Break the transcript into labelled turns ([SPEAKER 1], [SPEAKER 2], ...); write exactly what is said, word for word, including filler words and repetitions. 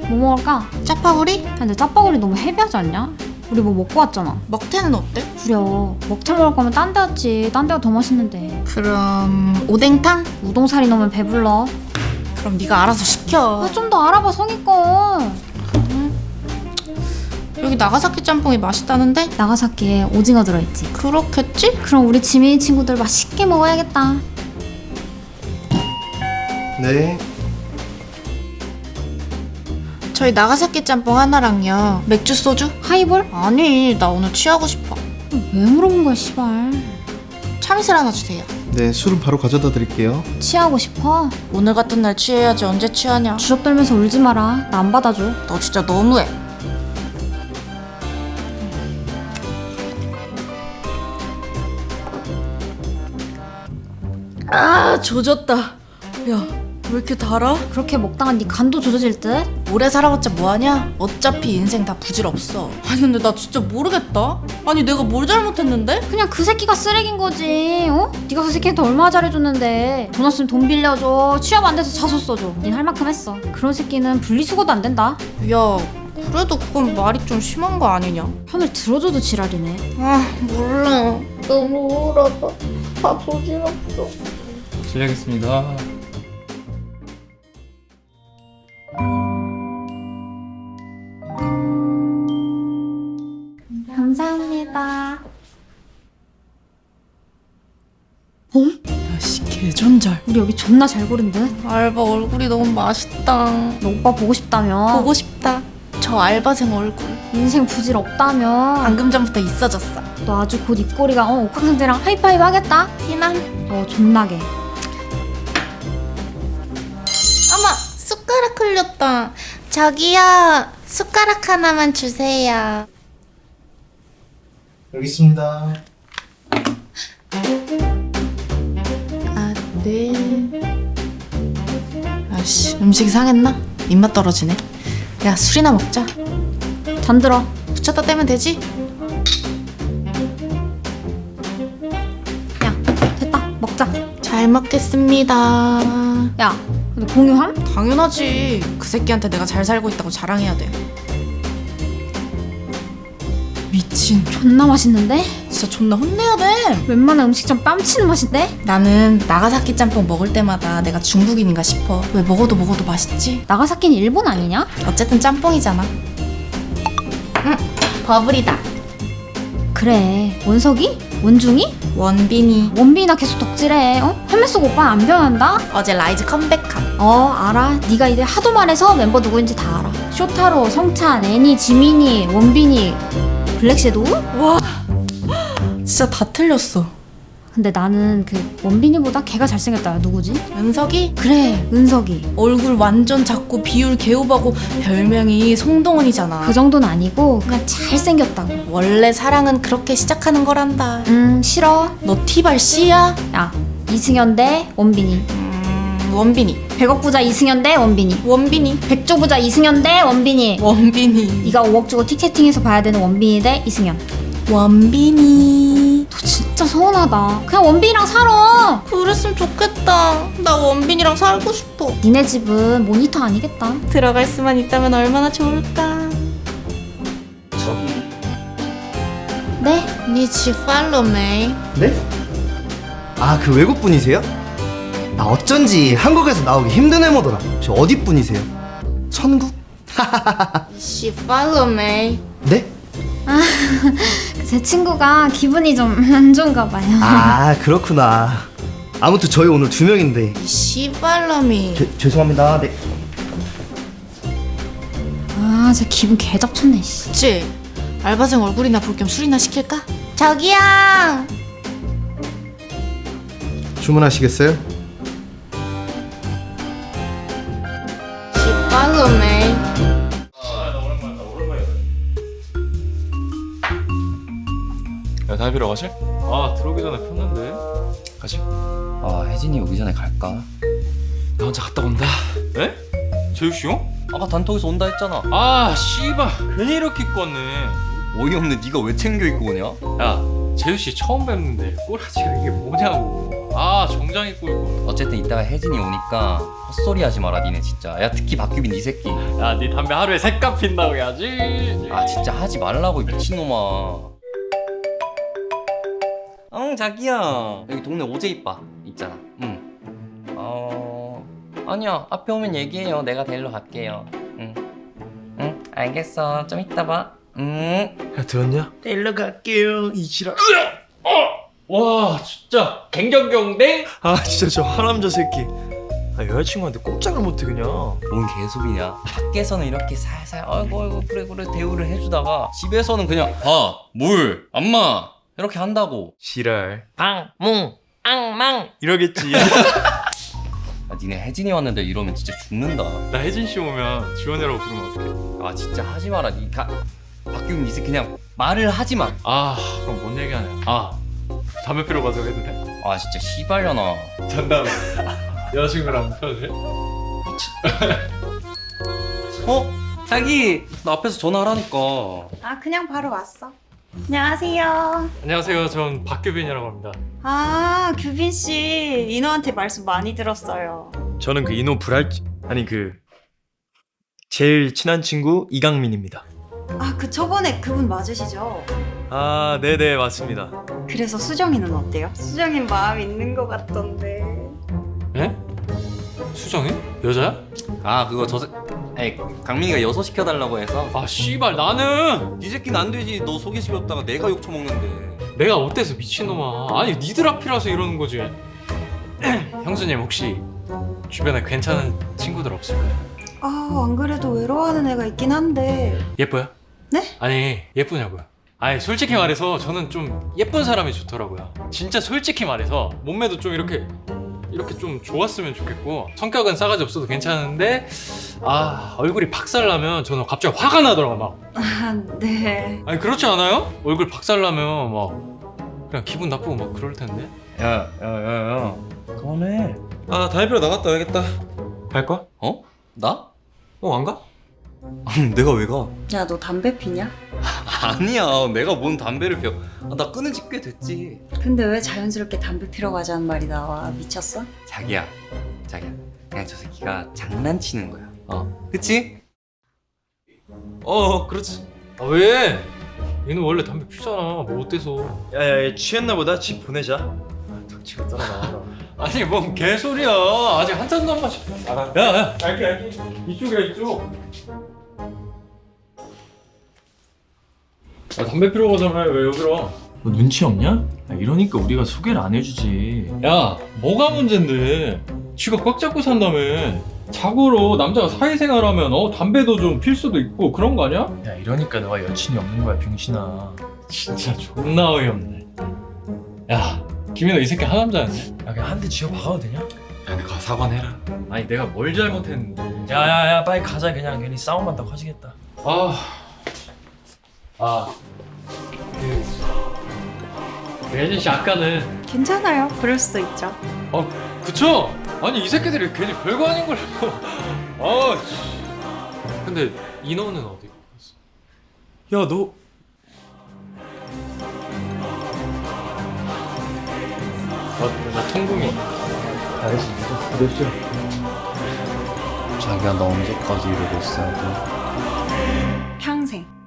[SPEAKER 1] 뭐 먹을까?
[SPEAKER 2] 짜파구리?
[SPEAKER 1] 야, 근데 짜파구리 너무 헤비하지 않냐? 우리 뭐 먹고 왔잖아.
[SPEAKER 2] 먹태는 어때?
[SPEAKER 1] 구려. 먹태 먹을 거면 딴 데 왔지. 딴 데가 더 맛있는데.
[SPEAKER 2] 그럼 오뎅탕?
[SPEAKER 1] 우동사리 넣으면 배불러.
[SPEAKER 2] 그럼 네가 알아서 시켜.
[SPEAKER 1] 아, 좀 더 알아봐 성의껏.
[SPEAKER 2] 여기 나가사키 짬뽕이 맛있다는데?
[SPEAKER 1] 나가사키에 오징어 들어있지.
[SPEAKER 2] 그렇겠지?
[SPEAKER 1] 그럼 우리 지민이 친구들 맛있게 먹어야겠다.
[SPEAKER 3] 네.
[SPEAKER 2] 저희 나가사키 짬뽕 하나랑요. 맥주 소주?
[SPEAKER 1] 하이볼?
[SPEAKER 2] 아니, 나 오늘 취하고 싶어.
[SPEAKER 1] 왜 물어본 거야 씨발.
[SPEAKER 2] 참이슬 하나 주세요.
[SPEAKER 3] 네, 술은 바로 가져다 드릴게요.
[SPEAKER 1] 취하고 싶어?
[SPEAKER 2] 오늘 같은 날 취해야지 언제 취하냐.
[SPEAKER 1] 주접 떨면서 울지 마라. 나 안 받아줘.
[SPEAKER 2] 너 진짜 너무해. 아, 조졌다. 야, 왜 이렇게 달아?
[SPEAKER 1] 그렇게 먹다가 네 간도 조져질 듯?
[SPEAKER 2] 오래 살아봤자 뭐하냐? 어차피 인생 다 부질없어. 아니 근데 나 진짜 모르겠다. 아니 내가 뭘 잘못했는데?
[SPEAKER 1] 그냥 그 새끼가 쓰레기인 거지. 어? 네가 그 새끼한테 얼마나 잘해줬는데. 돈 없으면 돈 빌려줘. 취업 안 돼서 자소 써줘. 닌 할 만큼 했어. 그런 새끼는 분리수거도 안 된다.
[SPEAKER 2] 야, 그래도 그건 말이 좀 심한 거 아니냐?
[SPEAKER 1] 편을 들어줘도 지랄이네.
[SPEAKER 2] 아, 몰라. 너무 우울하다. 다 부질없어.
[SPEAKER 4] 실례하겠습니다.
[SPEAKER 1] 감사합니다.
[SPEAKER 2] 야씨, 개존잘.
[SPEAKER 1] 우리 여기 존나 잘 고른 듯?
[SPEAKER 2] 알바 얼굴이 너무 맛있다.
[SPEAKER 1] 너 오빠 보고 싶다며.
[SPEAKER 2] 보고 싶다. 저 알바생 얼굴.
[SPEAKER 1] 인생 부질 없다며.
[SPEAKER 2] 방금 전부터 있어졌어.
[SPEAKER 1] 너 아주 곧 입꼬리가 어, 옥황상제랑 하이파이브 하겠다.
[SPEAKER 2] 티남.
[SPEAKER 1] 어 존나게.
[SPEAKER 2] 어머, 숟가락 흘렸다. 저기요, 숟가락 하나만 주세요.
[SPEAKER 3] 여기 있습니다.
[SPEAKER 2] 아, 네. 아씨, 음식이 상했나? 입맛 떨어지네. 야, 술이나 먹자.
[SPEAKER 1] 잠들어.
[SPEAKER 2] 붙였다 떼면 되지?
[SPEAKER 1] 야 됐다. 먹자.
[SPEAKER 2] 잘 먹겠습니다.
[SPEAKER 1] 야 근데 공유함?
[SPEAKER 2] 당연하지. 그 새끼한테 내가 잘 살고 있다고 자랑해야 돼. 미친.
[SPEAKER 1] 존나 맛있는데?
[SPEAKER 2] 진짜 존나 혼내야 돼.
[SPEAKER 1] 웬만한 음식점 뺨치는 맛인데?
[SPEAKER 2] 나는 나가사키 짬뽕 먹을 때마다 내가 중국인인가 싶어. 왜 먹어도 먹어도 맛있지?
[SPEAKER 1] 나가사키는 일본 아니냐?
[SPEAKER 2] 어쨌든 짬뽕이잖아. 응, 버블이다.
[SPEAKER 1] 그래 원석이? 원중이?
[SPEAKER 2] 원빈이.
[SPEAKER 1] 원빈이나 계속 덕질해. 어? 헬멧 쓰고 오빠 안 변한다?
[SPEAKER 2] 어제 라이즈 컴백함.
[SPEAKER 1] 어 알아. 네가 이제 하도 말해서 멤버 누구인지 다 알아. 쇼타로, 성찬, 애니, 지민이, 원빈이, 블랙섀도우?
[SPEAKER 2] 와, 진짜 다 틀렸어.
[SPEAKER 1] 근데 나는 그 원빈이보다 걔가 잘생겼다. 누구지?
[SPEAKER 2] 은석이?
[SPEAKER 1] 그래 은석이.
[SPEAKER 2] 얼굴 완전 작고 비율 개오바고 별명이 송동원이잖아.
[SPEAKER 1] 그 정도는 아니고 그냥 잘생겼다고.
[SPEAKER 2] 원래 사랑은 그렇게 시작하는 거란다.
[SPEAKER 1] 음 싫어.
[SPEAKER 2] 너 티발 씨야?
[SPEAKER 1] 야 이승현 대 원빈이.
[SPEAKER 2] 음, 원빈이.
[SPEAKER 1] 백억 부자 이승현 대 원빈이.
[SPEAKER 2] 원빈이.
[SPEAKER 1] 백조 부자 이승현 대 원빈이.
[SPEAKER 2] 원빈이.
[SPEAKER 1] 네가 오억 주고 티켓팅해서 봐야 되는 원빈이 대 이승현.
[SPEAKER 2] 원빈이.
[SPEAKER 1] 너 진짜 서운하다. 그냥 원빈이랑 살아.
[SPEAKER 2] 그랬으면 좋겠다. 나 원빈이랑 살고 싶어.
[SPEAKER 1] 니네 집은 모니터 아니겠다.
[SPEAKER 2] 들어갈 수만 있다면 얼마나 좋을까.
[SPEAKER 1] 네?
[SPEAKER 2] 니지 팔로우 메이.
[SPEAKER 3] 네? 아, 그 외국 분이세요? 나 어쩐지 한국에서 나오기 힘든 외모더라. 저 어디 분이세요? 천국?
[SPEAKER 2] 시 팔로우 메이.
[SPEAKER 3] 네?
[SPEAKER 1] 제 친구가 기분이 좀 안 좋은가 봐요.
[SPEAKER 3] 아, 그렇구나. 아무튼 저희 오늘 두 명인데.
[SPEAKER 2] 시 팔로우 미.
[SPEAKER 3] 죄, 죄송합니다. 네.
[SPEAKER 1] 아, 제 기분 개 잡쳤네. 씨.
[SPEAKER 2] 그치? 알바생 얼굴이나 볼 겸 술이나 시킬까? 저기요.
[SPEAKER 3] 주문하시겠어요?
[SPEAKER 2] 시 팔로우 메이.
[SPEAKER 4] 야, 다이비러 가실? 아, 들어오기 전에 폈는데. 가실?
[SPEAKER 5] 아, 혜진이 오기 전에 갈까?
[SPEAKER 4] 나 혼자 갔다 온다. 에? 재우씨 형?
[SPEAKER 5] 아까 단톡에서 온다 했잖아.
[SPEAKER 4] 아, 씨발. 괜히 이렇게 입고 왔네.
[SPEAKER 5] 어이없네. 네가 왜 챙겨 입고 오냐?
[SPEAKER 4] 야, 재우씨 처음 뵙는데 꼬라지가 이게 뭐냐고. 아 정장 입고 있고.
[SPEAKER 5] 어쨌든 이따가 혜진이 오니까 헛소리 하지 마라 니네 진짜. 야 특히 박규빈 이 새끼.
[SPEAKER 4] 야네 담배 하루에 세 갑 핀다고 해야지.
[SPEAKER 5] 아 진짜 하지 말라고 이 미친놈아. 응 자기야 여기 동네 오제이바 있잖아. 응. 어 아니야 앞에 오면 얘기해요. 내가 데리러 갈게요. 응. 응 알겠어 좀 이따 봐. 응.
[SPEAKER 6] 야 들었냐? 데리러 갈게요 이 지랄.
[SPEAKER 4] 와 진짜 갱경경댕.
[SPEAKER 6] 아 진짜 저 하남자 새끼. 아 여자친구한테 꼼짝을 못해 그냥.
[SPEAKER 5] 뭔 개소리냐. 밖에서는 이렇게 살살 아이고 아이고 그래 그래 대우를 해주다가 집에서는 그냥 밥, 물, 안마 이렇게 한다고.
[SPEAKER 6] 지랄.
[SPEAKER 5] 방, 뭉, 앙망.
[SPEAKER 6] 이러겠지.
[SPEAKER 5] 아, 니네 혜진이 왔는데 이러면 진짜 죽는다.
[SPEAKER 4] 나 혜진 씨 오면 지원이라고 부르면 어떡해?
[SPEAKER 5] 아 진짜 하지 마라. 니 가, 박규민 이제 그냥 말을 하지 마.
[SPEAKER 4] 아 그럼 뭔 얘기하냐? 아 담배 피러 가자고 해도 돼?
[SPEAKER 5] 아 진짜 씨발려나.
[SPEAKER 4] 잔다음에 여자친구랑 펴도 돼?
[SPEAKER 5] 어? 자기 나 앞에서 전화하라니까.
[SPEAKER 7] 아, 그냥 바로 왔어. 안녕하세요.
[SPEAKER 4] 안녕하세요. 전 박규빈이라고 합니다.
[SPEAKER 7] 아, 규빈 씨, 인호한테 말씀 많이 들었어요.
[SPEAKER 6] 저는 그 이노 불알 아니 그 제일 친한 친구 이강민입니다.
[SPEAKER 7] 아, 그 저번에 그분 맞으시죠?
[SPEAKER 6] 아 네네 맞습니다.
[SPEAKER 7] 그래서 수정이는 어때요? 수정이 마음 있는 것 같던데.
[SPEAKER 4] 예? 수정이? 여자야?
[SPEAKER 5] 아 그거 저 새... 아니 강민이가 여소 시켜달라고 해서.
[SPEAKER 4] 아 씨발 나는
[SPEAKER 5] 네 새끼는 안 되지. 너 소개시켰다가 내가 욕 처먹는데.
[SPEAKER 4] 내가 어때서 미친놈아. 아니 니들 앞이라서 이러는 거지. 형수님 혹시 주변에 괜찮은 친구들 없을까요?
[SPEAKER 7] 아, 안 그래도 외로워하는 애가 있긴 한데.
[SPEAKER 4] 예뻐요?
[SPEAKER 7] 네?
[SPEAKER 4] 아니 예쁘냐고요. 아니 솔직히 말해서 저는 좀 예쁜 사람이 좋더라고요. 진짜 솔직히 말해서 몸매도 좀 이렇게 이렇게 좀 좋았으면 좋겠고 성격은 싸가지 없어도 괜찮은데 아 얼굴이 박살나면 저는 갑자기 화가 나더라고 막.
[SPEAKER 7] 아, 네.
[SPEAKER 4] 아니 그렇지 않아요? 얼굴 박살나면 막 그냥 기분 나쁘고 막 그럴 텐데.
[SPEAKER 5] 야야야야 그만해.
[SPEAKER 6] 아 담배 피러 나갔다 와야겠다. 갈 거야?
[SPEAKER 5] 어? 나?
[SPEAKER 6] 어 안 가?
[SPEAKER 5] 내가 왜 가?
[SPEAKER 7] 야, 너 담배 피냐?
[SPEAKER 5] 아니야 내가 뭔 담배를 피워. 아, 나 끊은 지 꽤 됐지.
[SPEAKER 7] 근데 왜 자연스럽게 담배 피러 가자는 말이 나와? 미쳤어?
[SPEAKER 5] 자기야 자기야 그냥 저 새끼가 장난치는 거야. 어 그치?
[SPEAKER 6] 어 그렇지.
[SPEAKER 4] 아 왜? 얘는 원래 담배 피잖아. 뭐 어때서?
[SPEAKER 6] 야야 얘 취했나 보다. 집 보내자. 덕치가 따라 나와라.
[SPEAKER 4] 아니 뭔 개소리야. 아직 한 잔도 안 마셨어.
[SPEAKER 6] 알아.
[SPEAKER 4] 야야
[SPEAKER 6] 알게 알게.
[SPEAKER 4] 이쪽이야 이쪽. 아 담배 피러 가자며 왜 여기로 와?
[SPEAKER 6] 너 눈치 없냐? 아, 이러니까 우리가 소개를 안 해주지.
[SPEAKER 4] 야 뭐가 문제인데? 쥐가 꽉 잡고 산다며. 자고로 남자가 사회생활하면 어 담배도 좀 필 수도 있고 그런 거 아니야?
[SPEAKER 6] 야 이러니까 너가 여친이 없는 거야 병신아.
[SPEAKER 4] 진짜 존나 어이없네. 야 김인호 이 새끼 하남자였네.
[SPEAKER 6] 야 그냥 한 대 쥐어 박아도 되냐?
[SPEAKER 4] 야 가 사과해라. 아니 내가 뭘 잘못했는데.
[SPEAKER 6] 야야야 빨리 가자. 그냥 괜히 싸움만 더 커지겠다.
[SPEAKER 4] 아, 아, 그, 그 혜진 씨 아까는,
[SPEAKER 7] 괜찮아요. 그럴 수도 있죠.
[SPEAKER 4] 어, 그쵸? 아니 이 새끼들이 괜히 별거 아닌 걸. 아, 씨. 근데 인호는 어디 갔어?
[SPEAKER 6] 야 너.
[SPEAKER 4] 나, 나 통금이.
[SPEAKER 6] 알겠어. 몇 시야?
[SPEAKER 5] 자기야 너 언제까지 이러고 있어야 돼?
[SPEAKER 7] 평생.